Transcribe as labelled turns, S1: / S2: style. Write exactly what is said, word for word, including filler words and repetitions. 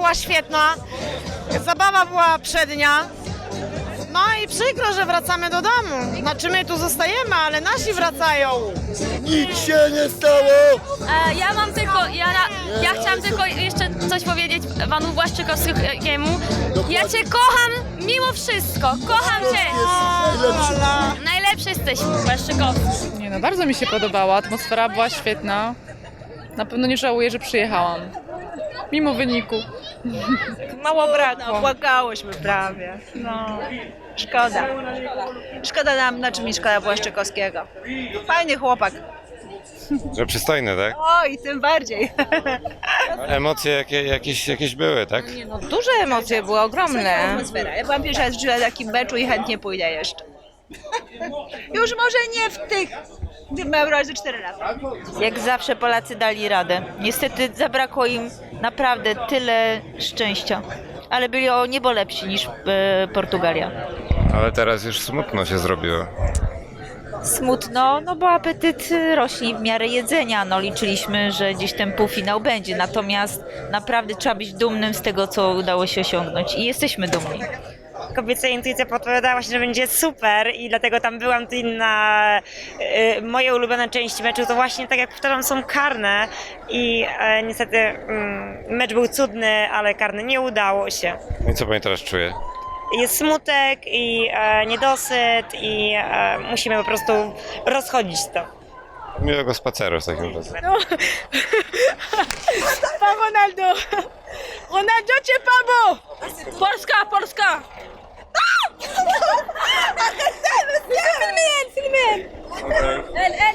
S1: była świetna, zabawa była przednia. No i przykro, że wracamy do domu. Znaczy my tu zostajemy, ale nasi wracają.
S2: Nic się nie stało!
S3: E, ja mam tylko, ja, ja chciałam tylko jeszcze coś powiedzieć panu Błaszczykowskiemu. Ja cię kocham mimo wszystko, kocham cię.
S2: Najlepszy.
S3: Najlepszy jesteś, Błaszczykowski.
S4: Nie no, bardzo mi się podobała, atmosfera była świetna. Na pewno nie żałuję, że przyjechałam. Mimo wyniku.
S5: Mało brakło. Płakałyśmy prawie. No, szkoda. Szkoda nam, znaczy mi szkoda Błaszczykowskiego. Fajny chłopak.
S6: Że przystojny, tak?
S5: Oj, tym bardziej.
S6: Emocje jakie, jakieś, jakieś były, tak?
S7: No, duże emocje były, ogromne.
S5: Atmosfera. Ja byłam pierwsza raz w życiu na takim meczu i chętnie pójdę jeszcze. Już może nie w tych, gdy miałam razy cztery lata.
S7: Jak zawsze Polacy dali radę. Niestety zabrakło im naprawdę tyle szczęścia. Ale byli o niebo lepsi niż e, Portugalia.
S6: Ale teraz już smutno się zrobiło.
S7: Smutno, no bo apetyt rośnie w miarę jedzenia. No liczyliśmy, że gdzieś ten półfinał będzie. Natomiast naprawdę trzeba być dumnym z tego, co udało się osiągnąć. I jesteśmy dumni.
S8: Kobieca intuicja podpowiadała właśnie, że będzie super i dlatego tam byłam. To inna, y, moje ulubione części meczu to właśnie, tak jak powtarzam, są karne i e, niestety mm, mecz był cudny, ale karny nie udało się.
S6: No i co pani teraz czuje?
S8: Jest smutek i e, niedosyt i e, musimy po prostu rozchodzić to.
S6: Miłego spaceru w takim razie.
S1: Pa Ronaldo! Ronaldo cię pabo!
S3: Polska, Polska!
S1: Filmiyen, filmiyen. El, el.